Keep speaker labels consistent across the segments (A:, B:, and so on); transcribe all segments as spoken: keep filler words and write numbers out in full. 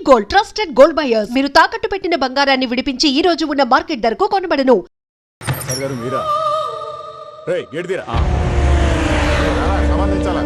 A: Gold, trusted gold buyers. మీరు తాకట్టు పెట్టిన బంగారాన్ని విడిపించి ఈ రోజు ఉన్న మార్కెట్ ధరకు కొనబడను.
B: మీరా రే గేట్ తీరా సంబంధించాలా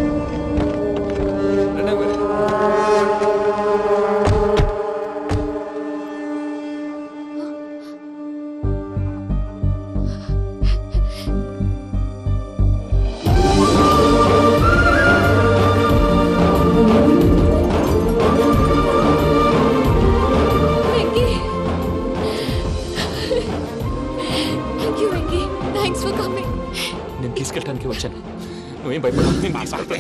C: తీసుకెళ్ళడానికి వచ్చాను. నువ్వేం భయపడవు.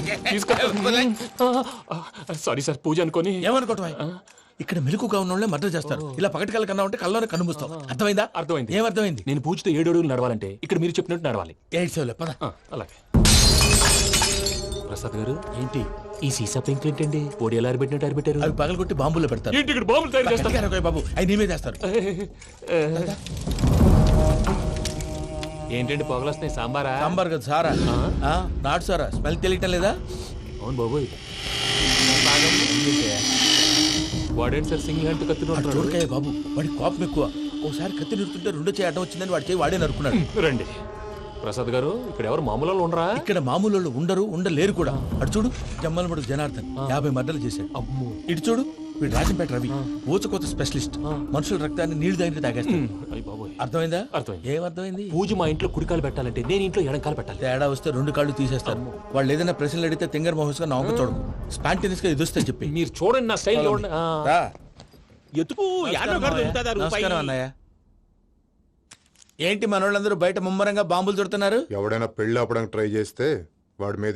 C: సారీ సార్, పూజ అనుకోని.
D: ఏమనుకోవటం? ఇక్కడ మెలుకుగా ఉన్న వాళ్ళే మర్డర్ చేస్తారు. ఇలా పగటి కళ్ళ కన్నా ఉంటే కళ్ళలోనే కనుమూస్తావు. అర్థమైందా?
C: అర్థమైంది.
D: ఏమర్థమైంది?
C: నేను పూజతో ఏడు అడుగులు నడవాలంటే ఇక్కడ మీరు చెప్పినట్టు నడవాలి.
D: ఎయిట్ సెవెన్ పద.
C: అలాగే. ప్రసాద్ గారు,
D: ఏంటి
C: ఈ సీసా పెంకులు ఏంటండి? పొడి ఎలా అరబెట్టినట్టు అరబెట్టారు?
D: అవి పగలు కొట్టి బాంబుల్లో పెడతారు.
C: ఏంటి ఇక్కడ బాంబులు తయారు చేస్తారు?
D: బాబు అవి నేమే చేస్తారు.
C: ఏంటండి పొగలు వస్తున్నాయి? సాంబారా?
D: సాంబార్ కదా సారా. నాటు సారా. స్మెల్ తెలియటం లేదా?
C: అవును బాబోయ్. వాడేంటి సార్ సింగిల్ హ్యాండ్ కత్తి
D: చూడకాయ బాబు, వాడి కోపం ఎక్కువ. ఒకసారి కత్తి నిరుతుంటే రెండు చేయి అడ్డం వచ్చిందని వాడి చేయి వాడే నరుకున్నాడు.
C: రండి ప్రసాద్ గారు, ఇక్కడ ఎవరు మామూలు ఉండరా?
D: ఇక్కడ మామూలు వాళ్ళు ఉండరు, ఉండలేరు కూడా. అటు చూడు, జమ్మలమడుగు జనార్దన్ యాభై మర్డర్లు చేశాడు.
C: అమ్మో.
D: ఇటు చూడు, వీడు రాజంపేట రవి ఊచకోత స్పెషలిస్ట్. మనుషుల రక్తాన్ని నీళ్లు దగ్గర తాగేస్తాడు. అర్థమైందా?
C: అర్థమైంది.
D: ఏమర్థమైంది?
C: పూజ మా ఇంట్లో కుడికాలు పెట్టాలంటే నేను ఇంట్లో ఎడంకాలు పెట్టాలి.
D: తేడా వస్తే రెండు కాళ్ళు తీసేస్తారు. వాళ్ళు ఏదైనా ప్రశ్నలు అడిగితే తింగర్ మహోస్ గా నవ్వు చూడకు. స్పాంటినియస్ గా ఎదుస్తా చెప్పి.
C: మీరు చూడండి నా స్టైల్.
D: ఎతుకు నమస్కారం అన్నయ్య. ఏంటి మనోళ్ళందరూ బయట ముమ్మరంగా బాంబులు చుడుతున్నారు?
B: ఎవడైనా పెళ్లి ఆపడానికి ట్రై చేస్తే వాడి మీద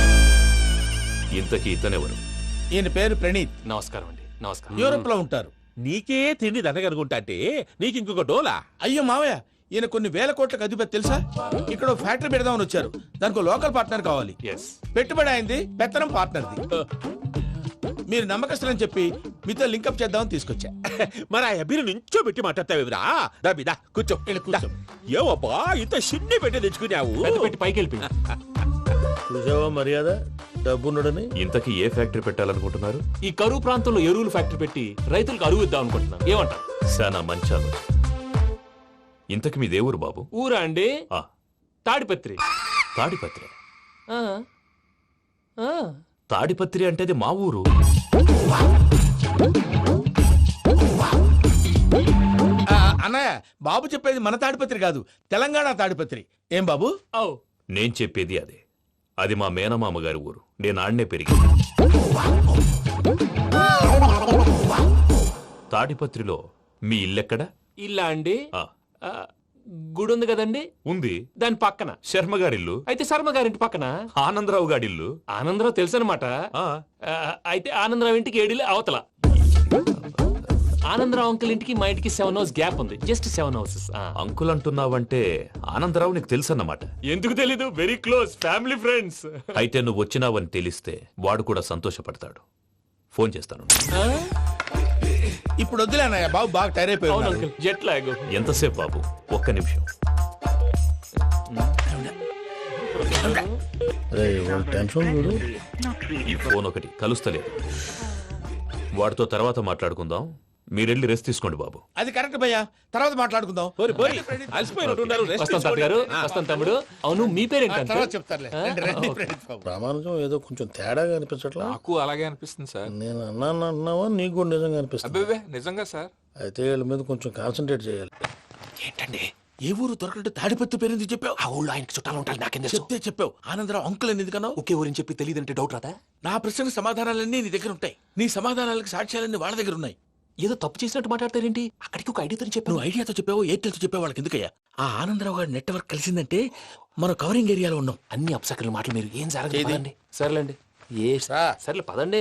E: ఇంతకీ ఇతనెవరు?
D: ఈయన పేరు ప్రణీత్.
C: నమస్కారం అండి. నమస్కారం.
D: యూరోప్ లో ఉంటారు.
F: నీకే తిండి దండగనుకుంటా అంటే నీకు ఇంకొక డోలా?
D: అయ్యో మావయ్య, ఈయన కొన్ని వేల కోట్లకు అధిపతి తెలుసా? ఇక్కడ ఫ్యాక్టరీ పెడదామని వచ్చారు. దానికి లోకల్ పార్ట్నర్ కావాలి. పెట్టుబడి అయింది, పెత్తనం పార్ట్నర్ది. మీరు నమ్మకస్తులని చెప్పి మీతో లింకప్ చేద్దామని తీసుకొచ్చా.
F: మరి ఆ అబ్బిని నుంచో పెట్టి మాట్లాడతావురా? దాబిదా కూర్చో.
D: కూర్చో.
F: ఏవబ్బా ఇంత సిన్ని పెట్టి తెచ్చుకున్నావు?
C: పెట్టి పైకి వెళ్ళి
D: చూసావా మర్యాద డబ్బున్నడని.
E: ఇంతకీ ఏ ఫ్యాక్టరీ పెట్టాలనుకుంటున్నారు?
C: ఈ కరువు ప్రాంతంలో ఎరువులు ఫ్యాక్టరీ పెట్టి రైతులకు అరువు ఇద్దాం అనుకుంటున్నాం. ఏమంటారు?
E: శానా మంచాలు. ఇంతకి మీ దేవురు బాబు?
C: ఊరా అండి?
E: ఆ
C: తాడిపత్రి.
E: తాడిపత్రి?
C: ఆ. ఆ.
E: తాడిపత్రి అంటే అది మా ఊరు.
D: అన్నయ్య, బాబు చెప్పేది మన తాడిపత్రి కాదు, తెలంగాణ తాడిపత్రి. ఏం బాబు?
E: నేను చెప్పేది అదే. అది మా మేనమామ గారి ఊరు. నేను ఆడనే పెరిగింది. తాడిపత్రిలో మీ ఇల్లెక్కడ?
C: ఇల్లా అండి?
E: ఆ
C: గుడి ఉంది కదండి?
E: ఉంది.
C: దాని పక్కన
E: శర్మ గారిల్లు.
C: అయితే శర్మ గారింటి పక్కన
E: ఆనందరావు గారిల్లు.
C: ఆనందరావు తెలుసు అనమాట. అయితే ఆనందరావు ఇంటికి ఏడిలే అవతల. ఆనందరావు అంకుల్ ఇంటికి మా ఇంటికి సెవెన్ హౌస్ గ్యాప్ ఉంది. Just seven houses.
E: అంకుల్ అంటున్నావంటే ఆనందరావు నీకు తెలుసు అన్నమాట.
C: ఎందుకు తెలీదు? Very close family friends.
E: అయితే నువ్వు వచ్చినావని తెలిస్తే వాడు కూడా సంతోషపడతాడు. ఫోన్ చేస్తాను.
D: ఇప్పుడు వద్దులే అన్నయ్య, బాబు బాగా టైర్ అయిపోయాడు.
C: Jet lag.
E: ఎంతసేపు బాబు? ఒక్క నిమిషం. ఈ ఫోన్ ఒకటి కలుస్తలేదు. వాడితో తర్వాత మాట్లాడుకుందాం. మీరెళ్ళి రెస్ట్ తీసుకోండి బాబు.
D: అది కరెక్ట్ భయ్యా, తర్వాత మాట్లాడుకుందాం.
C: వస్తాం తాత గారు, వస్తాం తమ్ముడు. అవును, మీ పేరేంటి?
D: చెప్తారులే.
G: ప్రామాణికం ఏదో కొంచెం తేడాగా అనిపించట్లా?
H: నాకు అలాగే అనిపిస్తుంది సార్.
G: నేను అన్నాను అన్నావా? నీకు కూడా నిజంగా అనిపిస్తుంది?
H: అబ్బే నిజంగా సార్.
G: అయితే వీళ్ళ మీద కొంచెం కాన్సన్ట్రేట్ చేయాలి.
C: ఏంటండి
D: ఏ ఊరు దొరకట్టు తాడిపత్రి పేరు ఎందుకు చెప్పావు?
C: ఆ ఊళ్ళో ఆయనకి చుట్టాలు ఉంటారు. నాకేం
D: చెప్తే చెప్పావు. ఆనందరావు అంకుల్ అని ఎందుకన్నావు?
C: ఒకే ఊరిని చెప్పి తెలియదంటే డౌట్ రాదా?
D: నా ప్రశ్నకు సమాధానాలన్నీ నీ దగ్గర ఉంటాయి. నీ సమాధానాలకు సాక్ష్యాలన్నీ వాళ్ళ దగ్గర ఉన్నాయి.
C: ఏదో తప్పు చేసినట్టు మాట్లాడతారేంటి? అక్కడికి ఒక ఐడియాతో చెప్పావు.
D: నువ్వు ఐడియాతో చెప్పావు, ఎయిర్టెల్తో చెప్పావు. వాళ్ళకి ఎందుకయ్యా? ఆ ఆనందరావు గారి నెట్వర్క్ కలిసిందంటే మనం కవరింగ్ ఏరియాలో ఉన్నాం.
C: అన్ని అప్సకర్ల మాటలు మీరు ఏం జరగదండి. సర్లేండి. ఏ సర్లే పదండి.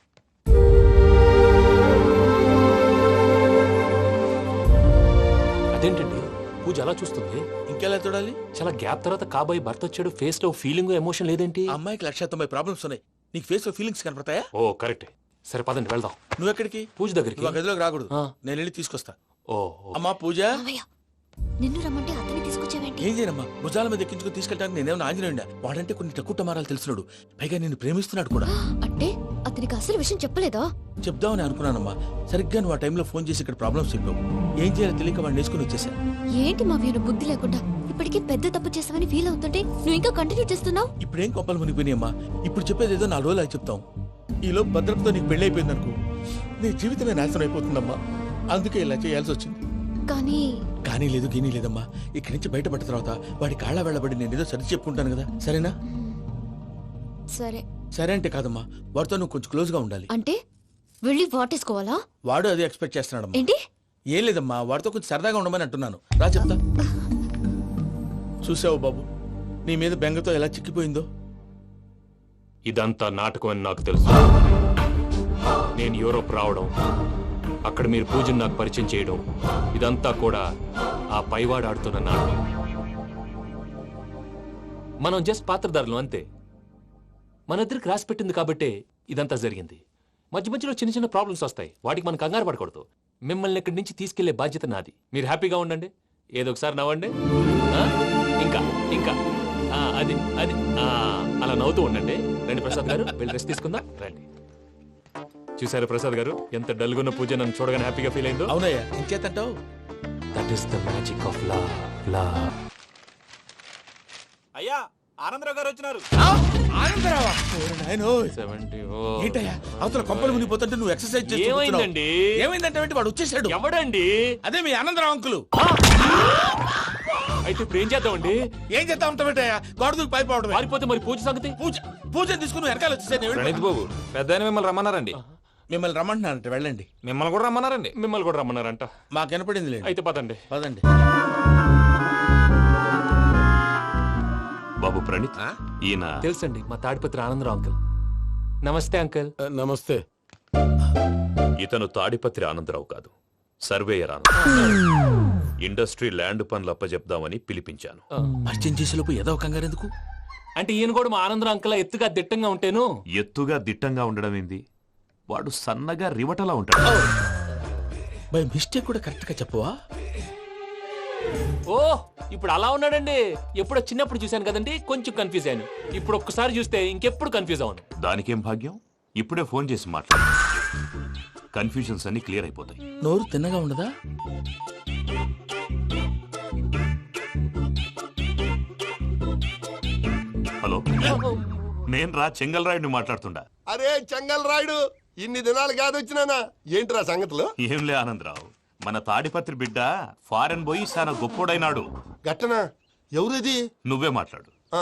C: అదేంటండి పూజ అలా చూస్తుంది?
D: ఇంకెలా చూడాలి?
C: చాలా గ్యాప్ తర్వాత కాబోయే భర్త వచ్చాడు. ఫేస్ లో ఫీలింగ్ ఎమోషన్ లేదేంటి?
D: అమ్మాయికి లక్ష తొంభై ప్రాబ్లమ్స్ ఉన్నాయి. నీకు ఫేస్ లో ఫీలింగ్స్ కనపడతాయా?
C: ఓ కరెక్ట్. సరే పదండి వెళ్దాం.
D: నువ్వు ఎక్కడికి?
C: పూజ దగ్గరికి.
D: నువ్వు గదిలోకి రాకూడదు, నేను వెళ్ళి తీసుకొస్తా.
C: ఓ
D: అమ్మా పూజ.
I: నిన్ను రమ్మంటే అతన్ని తీసుకొచ్చావేంటి?
D: ఇంకేం చేయనమ్మా, భుజాల మీద ఎక్కించుకుని తీసుకెళ్ళడానికి నేనేమన్నా ఆంజనేయుడా? వాడంటే కొన్ని తక్కువ టమారాలు తెలిసినాడు, పైగా నేను ప్రేమిస్తున్నాడు కూడా.
I: అంటే అతనికి అసలు విషయం చెప్పలేదా?
D: చెప్దామని అనుకున్నానమ్మా, సరిగ్గా నువ్వు ఆ టైంలో ఫోన్ చేసి ఇక్కడ ప్రాబ్లమ్స్ చెప్పావు. ఏం చేయాలో తెలియక వాడిని వేసుకుని వచ్చేసా.
I: ఏంటి మా వీరు బుద్ధి లేకుండా ఇప్పటికే పెద్ద తప్పు చేసావని ఫీల్ అవుతుంటే నువ్వు ఇంకా కంటిన్యూ చేస్తున్నావు.
D: ఇప్పుడేం కొప్పలు మునిగిపోయినాయమ్మా, ఇప్పుడు చెప్పేది ఏదో నాలుగు రోజులు అయి చెప్తాం. ఈలోపు భద్రతతో నీకు పెళ్లి అయిపోయింది అనుకో, నీ జీవితమే నాశనం అయిపోతుందమ్మా. అందుకే ఇలా చేయాల్సి వచ్చింది.
I: కానీ
D: కానీ లేదు గీనీ లేదమ్మా, ఇక్కడి నుంచి బయటపడ్డ తర్వాత వాడి కాళ్ళ వెళ్ళబడి నేను ఏదో సరి చెప్పుకుంటాను కదా, సరేనా?
I: సరే.
D: సరే అంటే కాదమ్మా, వాడితో నువ్వు కొంచెం క్లోజ్ గా ఉండాలి.
I: అంటే వెళ్ళి వాటేసుకోవాలా?
D: వాడు అది ఎక్స్పెక్ట్ చేస్తున్నాడమ్మా.
I: ఏంటి?
D: ఏం లేదమ్మా, వాడితో కొంచెం సరదాగా ఉండమని అంటున్నాను. రా చెప్తా. చూసావు బాబు, నీ మీద బెంగతో ఎలా చిక్కిపోయిందో.
E: ఇదంతా నాటకం అని నాకు తెలుసు. నేను యూరోప్ రావడం, అక్కడ మీరు పూజను నాకు పరిచయం చేయడం, ఇదంతా కూడా ఆ పైవాడు ఆడుతున్న నాటకం. మనం జస్ట్ పాత్రధారులు అంతే. మన ఇద్దరికి రాసి పెట్టింది కాబట్టే ఇదంతా జరిగింది. మధ్య మధ్యలో చిన్న చిన్న ప్రాబ్లమ్స్ వస్తాయి, వాటికి మనం కంగారు పడకూడదు. మిమ్మల్ని ఇక్కడి నుంచి తీసుకెళ్లే బాధ్యత నాది. మీరు హ్యాపీగా ఉండండి, ఏదో ఒకసారి నవ్వండి. ఆ? ఇంకా ఇంకా ఆ, అది అది ఆ, అలా నవ్వుతూ ఉండండి. రండి ప్రసాద్ గారు, వెళ్ళి రెస్ట్ తీసుకుందాం. రండి. చూసారు ప్రసాద్ గారు, ఎంత డల్గున్న పూజ నన్ను చూడగానే హ్యాపీగా ఫీల్ అయిందో.
D: అవునయ్యా, ఇంకేతంటావు?
E: That is the magic of love. Love.
F: అయ్యా ఆనందరావు గారు వచ్చినారు.
D: ఆనందరావా? ఓరి నాయనో.
E: సెవెంటీ ఓ.
D: ఏంటయ్యా, అవతల కొంపలు మునిగిపోతుంటే నువ్వు ఎక్సర్సైజ్ చేస్తూ కూర్చున్నావు.
E: ఏమైందండి?
D: ఏమైందంటే వాడు వచ్చేసాడు.
E: ఎవడండి?
D: అదే మీ ఆనందరావు అంకులు.
E: అయితే ఇప్పుడు ఏం చేద్దామండి?
D: ఏం చేస్తా ఉంటావేటయ్యా, గోడ దూకి పైపోవడం.
E: పారిపోతే మరి పూజ సంగతి?
D: పూజ పూజ తీసుకుని వెనకాల వచ్చేసాను.
H: ప్రణీత్ బాబు, పెద్ద మిమ్మల్ని రమ్మన్నారండి.
D: మిమ్మల్ని రమ్మంటున్నారంట, వెళ్ళండి.
H: మిమ్మల్ని కూడా రమ్మన్నారండి.
E: మిమ్మల్ని కూడా రమ్మన్నారంట.
D: మాకు వినపడింది లేదు.
E: అయితే పదండి.
D: పదండి.
E: బాబు ప్రణీత్, ఈయన
C: తెలుసండి, మా తాడిపత్రి ఆనందరావు అంకుల్. నమస్తే అంకుల్.
G: నమస్తే.
E: ఇతను తాడిపత్రి ఆనందరావు కాదు, సర్వేయర్ ఆనందరావు. ఇండస్ట్రీ ల్యాండ్ పనులు అప్పచెప్దామని పిలిపించాను.
D: పరిచయం చేసేలోపు ఏదో కంగారు ఎందుకు?
C: అంటే ఈయన కూడా మా ఆనందరావు అంకుల్ ఎత్తుగా దిట్టంగా ఉంటేను.
E: ఎత్తుగా దిట్టంగా ఉండడం ఏంది, వాడు సన్నగా రివటలా ఉంటాడు.
D: బై మిస్టేక్ కూడా కరెక్ట్ గా చెప్పవా?
C: ఓ ఇప్పుడు అలా ఉన్నాడండి. ఎప్పుడో చిన్నప్పుడు చూశాను కదండి, కొంచెం కన్ఫ్యూజ్ అయ్యాను. ఇప్పుడు ఒక్కసారి చూస్తే ఇంకెప్పుడు కన్ఫ్యూజ్ అవ్వను.
E: దానికేం భాగ్యం, ఇప్పుడే ఫోన్ చేసి మాట్లాడు. కన్ఫ్యూజన్స్ అన్ని క్లియర్ అయిపోతాయి.
D: నోరు తిన్నగా ఉండదా?
E: హలో, నేను రా చెంగల్ రాయుడిని మాట్లాడుతుండా.
J: అరే చెంగల్ రాయుడు, ఇన్ని దినాలు కాదు వచ్చినానా? ఏంట్రా సంగతులు?
E: ఏంలే ఆనందరావు, మన తాడిపత్రి బిడ్డ ఫారెన్ పోయి చాలా గొప్పోడైనాడు.
J: గట్టనా? ఎవరిది?
E: నువ్వే మాట్లాడు.
J: ఆ,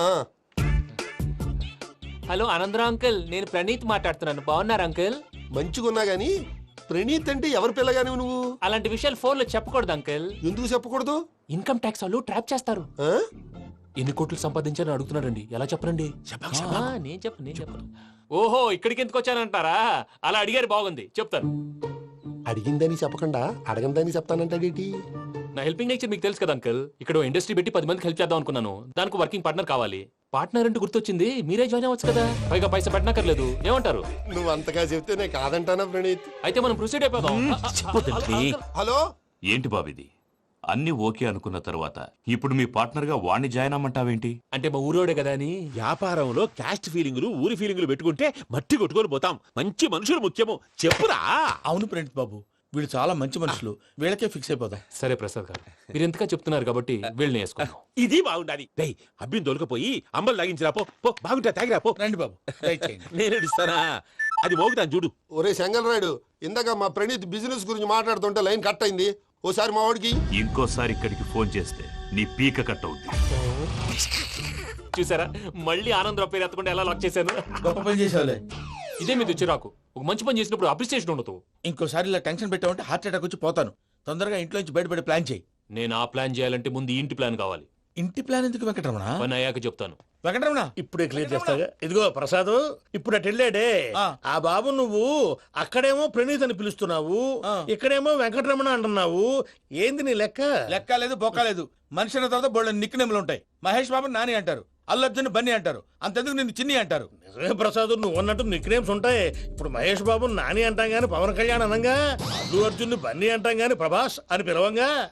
C: హలో ఆనందరావు అంకుల్, నేను ప్రణీత్ మాట్లాడుతున్నాను. బాగున్నారు అంకుల్?
J: మంచిగున్నా గాని ప్రణీత్ అంటే ఎవరి పిల్లగాని నువ్వు?
C: అలాంటి విషయాలు ఫోన్ లో చెప్పకూడదు అంకుల్.
J: ఎందుకు చెప్పకూడదు?
C: ఇన్కమ్ ట్యాక్స్ వాళ్ళు ట్రాప్ చేస్తారు.
J: ఆ?
C: ఎన్ని కోట్లు సంపాదించాలని అడుగుతున్నారండి. ఎలా చెప్పరండి? ఆ, నేను చెప్పను నేను చెప్పను. ఓహో, ఇక్కడికి ఎందుకు వచ్చానంటారా? అలా అడిగారు, బాగుంది, చెప్తాను.
J: అడిగిందని చెప్పకుండా అడగందని చెప్తానంటాడేటి?
C: నా హెల్పింగ్ నేచర్ మీకు తెలుసు కదా అంకుల్. ఇక్కడ ఇండస్ట్రీ పెట్టి పది మందికి హెల్ప్ చేద్దాం అనుకున్నాను. దానికి వర్కింగ్ పార్ట్నర్ కావాలి. పార్ట్నర్ అంటే గుర్తొచ్చింది, మీరే జాయిన్ అవ్వచ్చు కదా, పైగా పైసా పెట్టనక్కర్లేదు. ఏమంటారు?
J: నువ్వు అంతగా చెప్తేనే కాదంటానా ప్రణీత్?
C: అయితే మనం ప్రొసీడ్ అయిపోదాం.
J: హలో,
E: ఏంటి బాబిది, అన్ని ఓకే అనుకున్న తర్వాత ఇప్పుడు మీ పార్ట్నర్ గా వాణ్ణి జాయిన్ అమ్మంటావేంటి?
C: అంటే మా ఊరోడే కదా అని.
F: వ్యాపారంలో క్యాస్ట్ ఫీలింగులు ఊరి ఫీలింగులు పెట్టుకుంటే మట్టి కొట్టుకొని పోతాం. మంచి మనుషులు ముఖ్యము, చెప్పురా.
D: అవును ప్రణీత్ బాబు, వీళ్ళు చాలా మంచి మనుషులు, వీళ్ళకే ఫిక్స్ అయిపోదాం.
C: సరే ప్రసాద్ గారు, మీరు ఎంతగా చెప్తున్నారు కాబట్టి వీళ్ళని వేసుకుందాం.
F: ఇది బాగుండాలి. డై అబ్బిని దొలకపోయి అంబలు లాగించిరా పో. పో బాగుంటా, తాగిరా పో.
D: రండి బాబు, దయచేయండి.
F: నేను ఇస్తానా? అది మోగుతాను చూడు.
J: ఒరే చెంగల్ రాయుడు, ఇందాక మా ప్రణీత్ బిజినెస్ గురించి మాట్లాడుతుంటే లైన్ కట్ అయింది. ఓసారి మా వాడికి
E: ఇంకోసారి ఇక్కడికి ఫోన్ చేస్తే నీ పీక కట్ అవుద్ది.
C: చూసారా, మళ్ళీ ఆనందరావు పేరు ఎత్తకుండా ఎలా లాక్ చేశాను.
D: గొప్ప పని చేసేవాళ్ళే.
C: ఇదే మీద చిరాకు. ఒక మంచి పని చేసినప్పుడు అప్రిసియేషన్ ఉండదు.
D: ఇంకోసారి ఇలా టెన్షన్ పెట్టామంటే హార్ట్ అటాక్ వచ్చి పోతాను. తొందరగా ఇంట్లో నుంచి బయటపడే ప్లాన్ చేయి.
C: నేను ఆ ప్లాన్ చేయాలంటే ముందు ఈ ఇంటి ప్లాన్ కావాలి.
D: ఇంటి ప్లాన్ ఎందుకు వెంకటరమణ?
C: పని అయ్యాక చెప్తాను.
D: వెంకటరమణ
G: ఇప్పుడే క్లియర్ చేస్తాగా. ఇదిగో ప్రసాద్, ఇప్పుడు అటు వెళ్ళాడే
D: ఆ.
G: ఆ బాబు, నువ్వు అక్కడేమో ప్రణీత్ అని పిలుస్తున్నావు,
D: ఆ.
G: ఇక్కడేమో వెంకటరమణ అంటున్నావు. ఏంది నీ లెక్క?
D: లెక్క లేదు, బొక్క లేదు. మనిషి అన్న తర్వాత బోళ్ళ నిక్నెములు ఉంటాయి. మహేష్ బాబు నాని అంటారు, అల్లు అర్జున్ బన్నీ అంటారు, అంతెందుకు నిన్ను చిన్ని అంటారు.
G: నిజమే ప్రసాద్, నువ్వు అన్నట్టు నిక్ నేమ్స్ ఉంటాయి. ఇప్పుడు మహేష్ బాబు నాని అంటాం గాని పవన్ కళ్యాణ్ అనంగా, అల్లు అర్జున్ బన్నీ అంటాం గాని ప్రభాస్ అని పిలవంగా.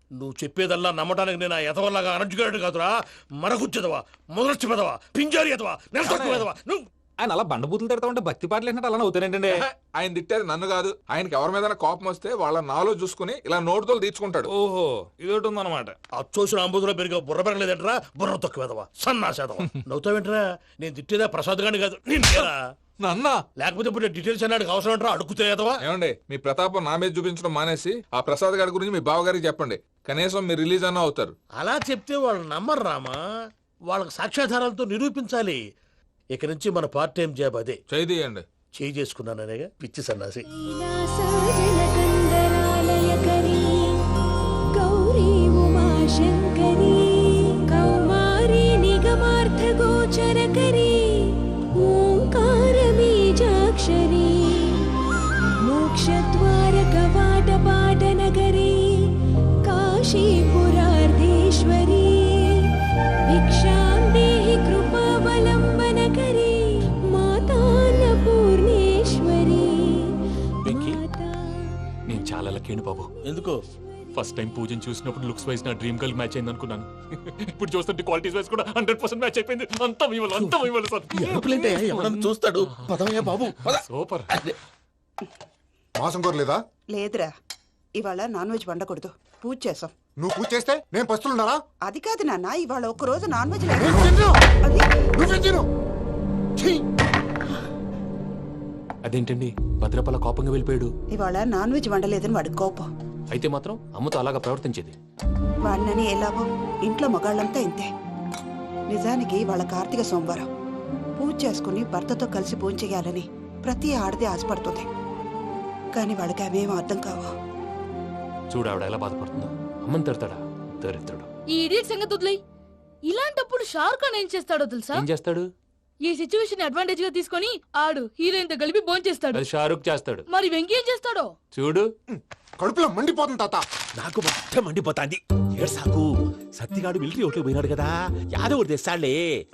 G: నువ్వు చెప్పేదల్లా నమ్మటానికి నేను ఎదవల్లాగా అనర్జుకేటెడ్ కాదురా. మరగుచ్చదవా, మొదలచ్చి పెదవా, పింజారి ఎదవా, నెలసొక్కు పెదవా నువ్వు.
H: ఆయన అలా బండబూతులు తిడతా ఉంటే భక్తి పాటలు ఏంటంటే అలా అవుతానంటే.
K: ఆయన తిట్టేది నన్ను కాదు, ఆయనకి ఎవరి మీద కోపం వస్తే వాళ్ళ నాలో చూసుకుని ఇలా నోటుతో తీర్చుకుంటాడు.
H: ఓహో ఇదొకటి ఉందన్నమాట.
G: అచ్చోసిన అంబుధులో పెరిగే బుర్ర పెరగలేదంటరా, బుర్ర తొక్కు వెదవా, సన్నాసేదవా. నవ్వుతావేంట్రా? నేను తిట్టేదా ప్రసాద్ గాని కాదు నిన్నేరా.
K: నన్నా
G: లేకపోతే ఇప్పుడు డీటెయిల్స్ అన్నాడు అవసరం అంటారా? అడుగుతాయేదవా.
K: ఏమండి, మీ ప్రతాపం నా మీద చూపించడం మానేసి ఆ ప్రసాద్ గారి గురించి మీ బావగారికి చెప్పండి. కనీసం మీరు రిలీజ్ అన్న అవుతారు.
G: అలా చెప్తే వాళ్ళు నమ్మరు రామా. వాళ్ళకి సాక్ష్యాధారాలతో నిరూపించాలి. ఇక నుంచి మన పార్ట్ టైం జాబ్ అదే.
K: చేయండి.
G: చేయి చేసుకున్నాననేగా పిచ్చి సన్నాసి.
I: గౌరీ ఉమాశంకరీ కౌమారీ నిగమార్థగోచరకరీ ఓంకార బీజాక్షరీ మోక్షద్వార కవాట పాటనగరీ కాశీపురార్ధేశ్వరీ భిక్షాం దేహి కృపావలంబనకరీ మాతాన్నపూర్ణేశ్వరీ.
E: నేను చాలా లక్కీని బాబు.
G: ఎందుకు?
E: ఫస్ట్ టైం పూజను చూసినప్పుడు లుక్స్ వైజ్ నా డ్రీమ్ గర్ల్ మ్యాచ్ అయింది అనుకున్నాను. ఇప్పుడు చూస్తుంటే క్వాలిటీస్ వైజ్ కూడా హండ్రెడ్ పర్సెంట్ మ్యాచ్ అయిపోయింది. అంతా ఇవ్వాలి, అంతా ఇవ్వాలి సార్.
G: ఎరుపులేంటే ఎవడన్నా చూస్తాడు. పదవయ్యా బాబు పద.
E: సూపర్.
B: మాసం కోరలేదా?
L: లేదురా, ఇవాళ నాన్ వెజ్ వండకూడదు, పూజ చేసాం.
B: నువ్వు పూజ చేస్తే నేను పస్తులున్నారా?
L: అది కాదు నాన్న, ఇవాళ ఒక్క రోజు నాన్ వెజ్ లేదు.
B: నేను తిన్ను.
L: అది
B: నువ్వే తిను. ఛీ!
E: అదేంటండి భద్రపల కోపంగా వెళ్ళిపోయాడు?
L: ఇవాళ నాన్ వెజ్ వండలేదని వాడి కోపం.
E: అయితే మాత్రం అమ్మతో అలాగా ప్రవర్తించేది.
L: వాడినని ఎలాగో ఇంట్లో మగాళ్ళంతా ఇంతే. నిజానికి వాళ్ళ కార్తీక సోమవారం పూజ చేసుకుని భర్తతో కలిసి పూజ చేయాలని ప్రతి ఆడది ఆశపడుతుంది. కానీ వాడికి అవేం అర్థం కావు.
E: చూడు ఆవిడ ఎలా బాధపడుతుందో. అమ్మని తిడతాడా దరిద్రుడు.
I: ఈ ఇడియట్ సంగతి వదిలేయ్. ఇలాంటప్పుడు షారుఖ్ ఖాన్ ఏం చేస్తాడో తెలుసా?
E: ఏం చేస్తాడు?
I: ఈ సిచ్యువేషన్ అడ్వాంటేజ్ గా తీసుకొని ఆడు హీరోయిన్ తో కలిపి బోన్ చేస్తాడు.
E: అది షారుఖ్ చేస్తాడు.
I: మరి వెంకీ ఏం చేస్తాడో
E: చూడు.
B: కడుపులో మండిపోతుంది తాత.
F: నాకు మొత్తం మండిపోతాంది. ఏడు సాకు సత్తిగాడు మిలిటరీ ఓట్లు పోయినాడు కదా, యాదవ్ ఒకటి తెస్తాడులే.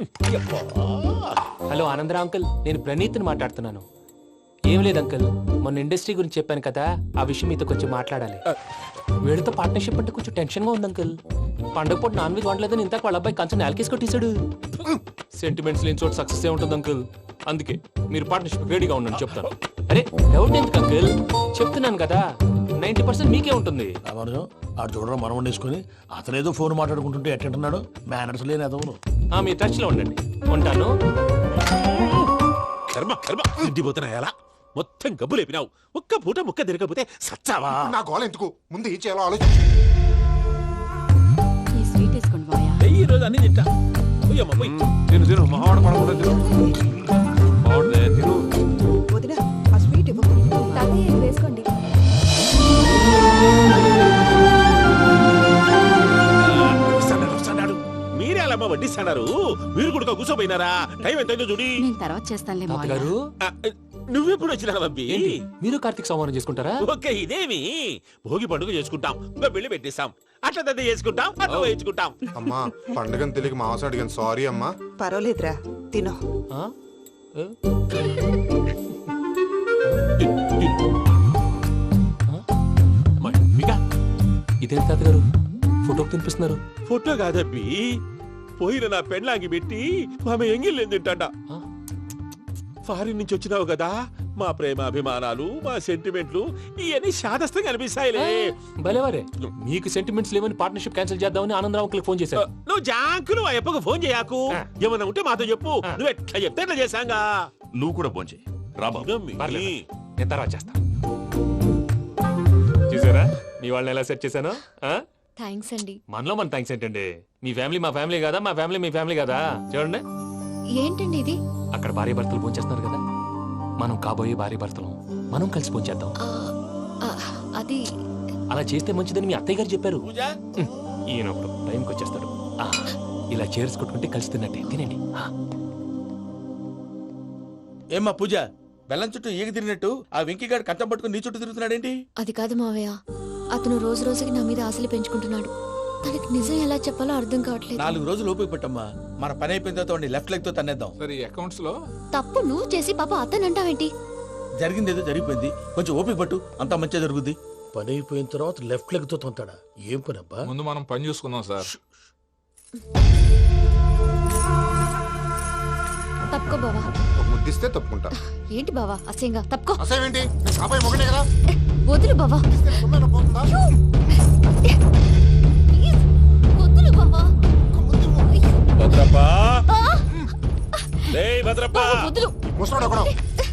E: హలో ఆనందరా అంకుల్, నేను ప్రణీత్ని మాట్లాడుతున్నాను. ఏం లేదు అంకుల్, మొన్న ఇండస్ట్రీ గురించి చెప్పాను కదా, ఆ విషయం మీతో కొంచెం మాట్లాడాలి. వీడితో పార్ట్నర్షిప్ అంటే కొంచెం టెన్షన్ గా ఉంది అంకుల్. పండగ పూట నాన్ వెజ్ వండలేదని ఇంతకు వాళ్ళ అబ్బాయి కంచెం నేలకేసి కొట్టేశాడు. సెంటిమెంట్స్ లేని చోట సక్సెస్ ఏ ఉంటుంది అంకుల్. అందుకే మీరు పార్ట్నర్షిప్ రెడీగా ఉండండి చెప్తాను. అరే డౌట్ ఎందుకు అంకుల్, చెప్తున్నాను కదా, నైన్టీ పర్సెంట్ మీకే ఉంటుంది.
G: రామానుజం ఆడు చూడడం మనం వండేసుకుని అతనేదో ఫోన్ మాట్లాడుకుంటుంటే ఎట్టంటున్నాడు. మేనర్స్ లేని అదవును.
E: ఆ, మీ టచ్ లో ఉండండి. ఉంటాను.
F: కర్మ కర్మ తిండిపోతున్నా ఎలా మొత్తం గబ్బు లేపినావు. ఒక్క పూట ముక్క తిరగకపోతే సచ్చావా?
B: నా గోల ఎందుకు, ముందు ఏం చేయాలో ఆలోచించు.
I: ఈ స్వీట్ వేసుకోండి బాయా.
F: ఈ రోజు అన్ని తింటా. పోయమ్మ పోయి.
K: తిను తిను మహావాడ పడకుండా తిను. బాగుండే తిను.
L: వదిన ఆ స్వీట్ ఇవ్వు.
I: తాతయ్య ఇది వేసుకోండి.
F: వస్తాడారు, వస్తాడారు. మీరే అలా అమ్మ వడ్డిస్తాడారు. మీరు కూడా కూర్చోపోయినారా? టైం ఎంతైందో చూడి.
I: నేను తర్వాత చేస్తానులే మావయ్య.
E: తాతగారు
F: ఆ, నువ్వెప్పుడు వచ్చినా బంబి?
E: ఏంటి మీరు కార్తీక్ సంహారం చేసుకుంటారా?
F: ఓకే ఇదేమి భోగి పండుగ చేసుకుంటాం, ఇంకా పెళ్లి పెట్టేస్తాం, అట్లా దద్ద చేసుకుంటాం, అట్లా వేయించుకుంటాం.
B: అమ్మా పండగని తెలియక మాసం అడిగాను, సారీ అమ్మా.
L: పర్వాలేదురా, తినో.
E: ఆ? ఏ?
F: మమ్మిగా
E: ఇదేంటి తాతగారు ఫోటోకి తినిపిస్తున్నారు?
F: ఫోటో కాదబ్బి, పోయిన నా పెళ్ళాంగి పెట్టి ఆమె ఎంగిల్లేం తింటాడ.
E: ఆ?
F: ఫారిన్ నుంచి వచ్చినావు కదా, మా ప్రేమ అభిమానాలు మా సెంటిమెంట్లు ఇవన్నీ శాదస్తంగా అనిపిస్తాయిలే.
E: భలేవారే, మీకు సెంటిమెంట్స్ లేవని పార్ట్నర్షిప్ క్యాన్సిల్ చేద్దామని ఆనందరావు అంకుల్ ఫోన్ చేశారు.
F: నువ్వు జాంకులు ఆ అప్పకు ఫోన్ చేయకు. ఏమన్నా ఉంటే మాతో చెప్పు. నువ్వు ఎట్లా చెప్తే ఎట్లా చేశాంగా.
H: నువ్వు కూడా ఫోన్ చేయి రాబాబు.
F: ఇదమ్మి.
E: పర్లేదు, నేను తర్వాత చేస్తా. చూసారా మీ వాళ్ళని ఎలా సెట్ చేశాను? ఆ?
I: థ్యాంక్స్ అండి.
E: మనలో మన థ్యాంక్స్ ఏంటండి? మీ ఫ్యామిలీ మా ఫ్యామిలీ కదా, మా ఫ్యామిలీ మీ ఫ్యామిలీ కదా. చూడండి,
I: ఏంటండి ఇది?
E: అక్కడ భార్య భర్తలు ఫోన్ చేస్తున్నారు కదా, మనం కాబోయే భార్య భర్తలు మనం కలిసి ఫోన్ చేద్దాం.
I: ఆ, ఆ, అది
E: అలా చేస్తే మంచిదని మీ అత్తయ్య గారు చెప్పారు.
F: పూజ
E: హ్మ్, ఈయన ఒకడు టైంకి వచ్చేస్తాడు. ఆ, ఇలా చేర్స్ కొట్టుకుంటే కలిసి తిన్నట్టే. తినండి. ఆ.
D: ఏమ్మా పూజ, బెల్లం చుట్టూ ఈగ తిరిగినట్టు ఆ వెంకీగాడు కంటం పట్టుకుని నీ చుట్టూ తిరుగుతున్నాడేంటి?
I: అది కాదు మావయ్య, అతను రోజు రోజుకి నా మీద ఆశలు పెంచుకుంటున్నాడు. తనకి నిజం ఎలా చెప్పాలో అర్థం కావట్లేదు.
D: నాలుగు రోజులు ఓపిక పట్టమ్మా, మన పని అయిపోయిన తర్వాత వాడిని లెఫ్ట్ లెగ్ తో తన్నేద్దాం.
K: సరే అకౌంట్స్ లో
I: తప్పు నువ్వు చేసి పాప అతను అంటావేంటి?
D: జరిగింది ఏదో జరిగిపోయింది, కొంచెం ఓపిక పట్టు, అంతా మంచిగా జరుగుద్ది.
G: పని అయిపోయిన తర్వాత లెఫ్ట్ లెగ్ తో తొంతాడా ఏం పని అబ్బా?
K: ముందు మనం పని చూసుకుందాం సార్.
I: తప్పుకో బావా.
B: ఒక ముద్దిస్తే తప్పుకుంటా.
I: ఏంటి బావా అసహ్యంగా? తప్పుకో.
B: అసేమేంటి అబ్బాయి మొగనే కదా.
I: వదులు బావా.
B: తొమ్మిది పోతుందా?
I: ప్లీజ్, వదులు బావా.
G: భద్రప్పా
I: ఆ!
G: రేయ్ భద్రప్పా
I: బావా, వదులు.
B: ముసరాడు ఒకడు.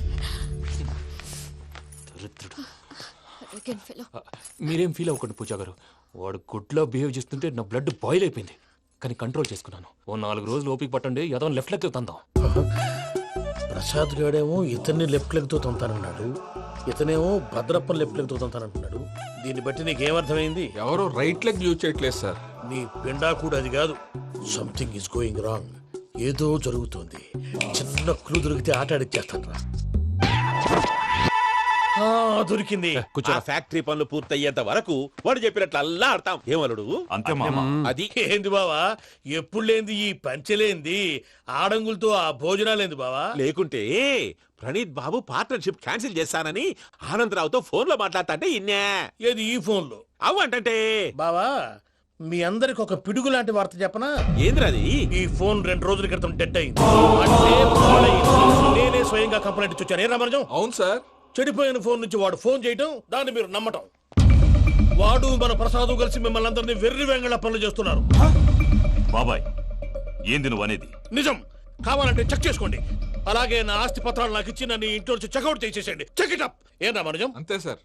I: Arrogant fellow.
C: మీరేం ఫీల్ అవ్వకండి పూజా గారు. వాడు గుడ్లో బిహేవ్ చేస్తుంటే నా బ్లడ్ బాయిల్ అయిపోయింది. కానీ కంట్రోల్ చేసుకున్నాను. ఓ నాలుగు రోజులు ఓపిక పట్టండి, ఏదో లెఫ్ట్ లెగ్ తందాం.
G: ప్రసాద్ గాడేమో ఇతన్ని లెఫ్ట్ లెగ్ తో తొంతానన్నాడు, ఇతనేమో భద్రప్ప లెఫ్ట్ లెగ్ తో తొంతానంటున్నాడు. దీన్ని బట్టి నీకేమర్థమైంది?
K: ఎవరు రైట్ లెగ్ యూజ్ చేయట్లేదు సార్.
G: నీ పిండా కూడా అది కాదు. Something is going wrong. ఏదో జరుగుతోంది. చిన్న క్లూ దొరికితే ఆట ఆడిచ్చేస్తాను రా. దొరికింది.
F: ఆ ఫ్యాక్టరీ పనులు పూర్తయ్యేంత వరకు వాడు చెప్పినట్లు అల్లా ఆడతాం. ఏమలుడు?
H: అంతే మామ.
F: అది
G: ఏంది బావా, ఎప్పుడు లేంది ఈ పంచలేంది, ఆడంగులతో ఆ భోజనాలేంది బావా?
F: లేకుంటే ప్రణీత్ బాబు పార్ట్నర్షిప్ క్యాన్సిల్ చేస్తానని ఆనందరావుతో ఫోన్ లో మాట్లాడతా అంటే ఇన్నే.
G: ఏది ఈ ఫోన్ లో?
F: అవు అంటే
G: బావా, మీ అందరికి ఒక పిడుగు లాంటి వార్త చెప్పనా?
F: ఏంద్రది?
G: ఈ ఫోన్ రెండు రోజుల క్రితం డెడ్ అయింది. అంటే పాడైంది. నేనే స్వయంగా కంప్లైంట్ ఇచ్చి వచ్చాను. ఏ రామరాజం?
K: అవును సార్.
G: చెడిపోయిన ఫోన్ నుంచి వాడు ఫోన్ చేయటం, దాన్ని మీరు నమ్మటం. వాడు మన ప్రసాదు కలిసి మిమ్మల్ని అందరినీ వెర్రి వెంగళ పనులు చేస్తున్నారు.
H: బాబాయ్ ఏంది నువ్వు అనేది?
G: నిజం. కావాలంటే చెక్ చేసుకోండి. అలాగే నా ఆస్తి పత్రాలు నాకు ఇచ్చి నన్ను ఇంట్లో నుంచి చెక్అౌట్ చేసేసండి. Check it up. ఏం రామరాజం?
K: అంతే సార్.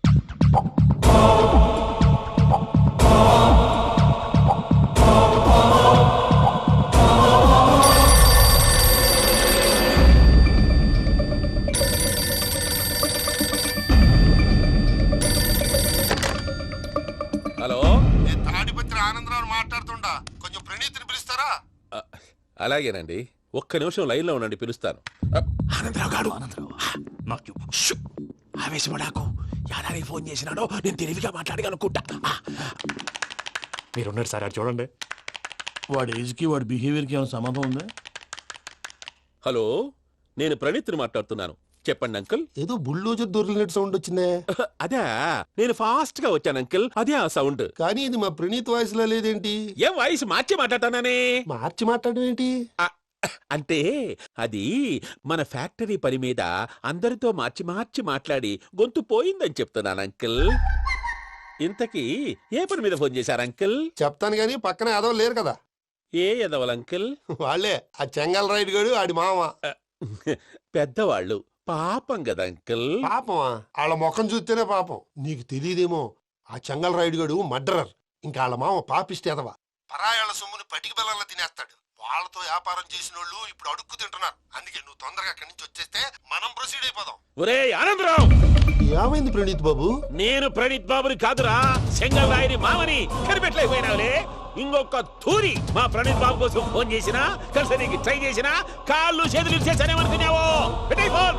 F: హలో,
J: నేను తాడిపత్రి ఆనందరావు మాట్లాడుతుండా. కొంచెం ప్రణీతిని పిలుస్తారా?
F: అలాగేనండి. ఒక్క నిమిషం లైన్ లో ఉండండి, పిలుస్తాను.
G: ఆనందరావు గాడు.
H: నాకు
G: ఆవేశపడాకు. యాదారి ఫోన్ చేసినాడో నేను తెలివిగా మాట్లాడగలనుకుంటా.
C: మీరున్నారు సార్, అది చూడండి.
G: వాడి ఏజ్కి వాడి బిహేవియర్కి ఏమైనా సంబంధం ఉందా?
F: హలో, నేను ప్రణీత్ని మాట్లాడుతున్నాను. చెప్పండి అంకుల్.
J: ఏదో బుల్డోజర్ దొరికినట్టు సౌండ్ వచ్చిందే.
F: అదే, నేను ఫాస్ట్ గా వచ్చాను అంకుల్. అదే ఆ సౌండ్.
J: కానీ ఇది మా ప్రణీత్ వాయిస్ లో లేదేంటి?
F: ఏ వాయిస్ మార్చి మాట్లాడతాననే?
J: మార్చి మాట్లాడడం ఏంటి?
F: అంటే అది మన ఫ్యాక్టరీ పని మీద అందరితో మార్చి మార్చి మాట్లాడి గొంతు పోయిందని చెప్తున్నాను అంకుల్. ఇంతకీ ఏ పని మీద ఫోన్ చేశారు అంకుల్?
J: చెప్తాను గానీ పక్కన ఏదో లేరు కదా.
F: ఏ ఎదవల్ అంకుల్?
J: వాళ్ళే ఆ చెంగల్ రైడ్ గడు ఆడి మామ.
F: పెద్దవాళ్ళు. పాపం కదా అంకుల్.
J: పాపమా? వాళ్ళ ముఖం చూస్తేనే పాపం. నీకు తెలియదేమో, ఆ చెంగల్ రైడ్ గడు మర్డరర్. ఇంకా వాళ్ళ మామ పాపిస్తే ఎదవా. పరాయాళ్ళ సొమ్ముని పటికి బెల్లంలో తినేస్తాడు. వాళ్ళతో వ్యాపారం చేసిన వాళ్ళు ఇప్పుడు అడుక్కు తింటున్నారు. అందుకే నువ్వు తొందరగా అక్కడి నుంచి వచ్చేస్తే మనం ప్రొసీడ్ అయిపోదాం.
F: ఒరే ఆనందరావు,
J: ఏమైంది ప్రణీత్ బాబు?
F: నేను ప్రణీత్ బాబుని కాదురా, సెంగల్ రాయని మామని. కనిపెట్టలేకపోయినావులే. ఇంకొక తూరి మా ప్రణీత్ బాబు కోసం ఫోన్ చేసినా, కలిసి నీకు ట్రై చేసినా కాళ్ళు చేతులు చేశానేమనుకున్నావో. పెట్టేయ్ ఫోన్.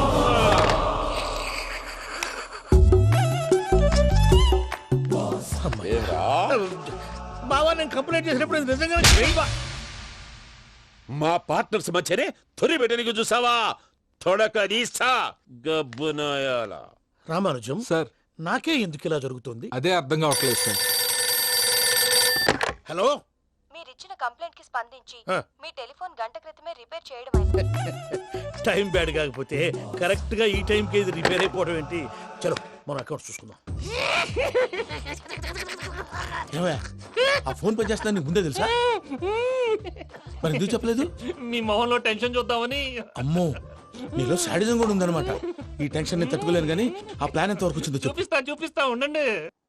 G: బావా, నేను కంప్లైంట్ చేసినప్పుడు ఇది నిజంగా చేయవా?
F: మా పార్ట్నర్స్ మధ్యనే తొలి పెట్టడానికి చూసావా? తొడక నీస్తా గబ్బునాయాల.
G: రామానుజం
K: సార్,
G: నాకే ఎందుకు ఇలా జరుగుతుంది?
K: అదే అర్థం కావట్లేదు సార్.
G: హలో,
M: మీరిచ్చిన కంప్లైంట్ కి స్పందించి
G: ఆ.
M: మీ టెలిఫోన్ గంట క్రితమే రిపేర్ చేయడం.
G: టైం బ్యాడ్ కాకపోతే కరెక్ట్ గా ఈ టైం కి ఇది రిపేర్ అయిపోవడం ఏంటి? చలో మన అకౌంట్ చూసుకుందాం. ఏమయ్య, ఆ ఫోన్ పని చేస్తున్నా నీకు ముందే తెలుసా? మరి ఎందుకు చెప్పలేదు?
C: మీ మొహంలో టెన్షన్ చూద్దామని.
G: అమ్మో, నీలో శాడిజం కూడా ఉందన్నమాట. ఈ టెన్షన్ నేను తట్టుకోలేను కానీ ఆ ప్లాన్ ఎంత వరకు వచ్చిందో చెప్పు.
C: చూపిస్తా చూపిస్తా ఉండండి.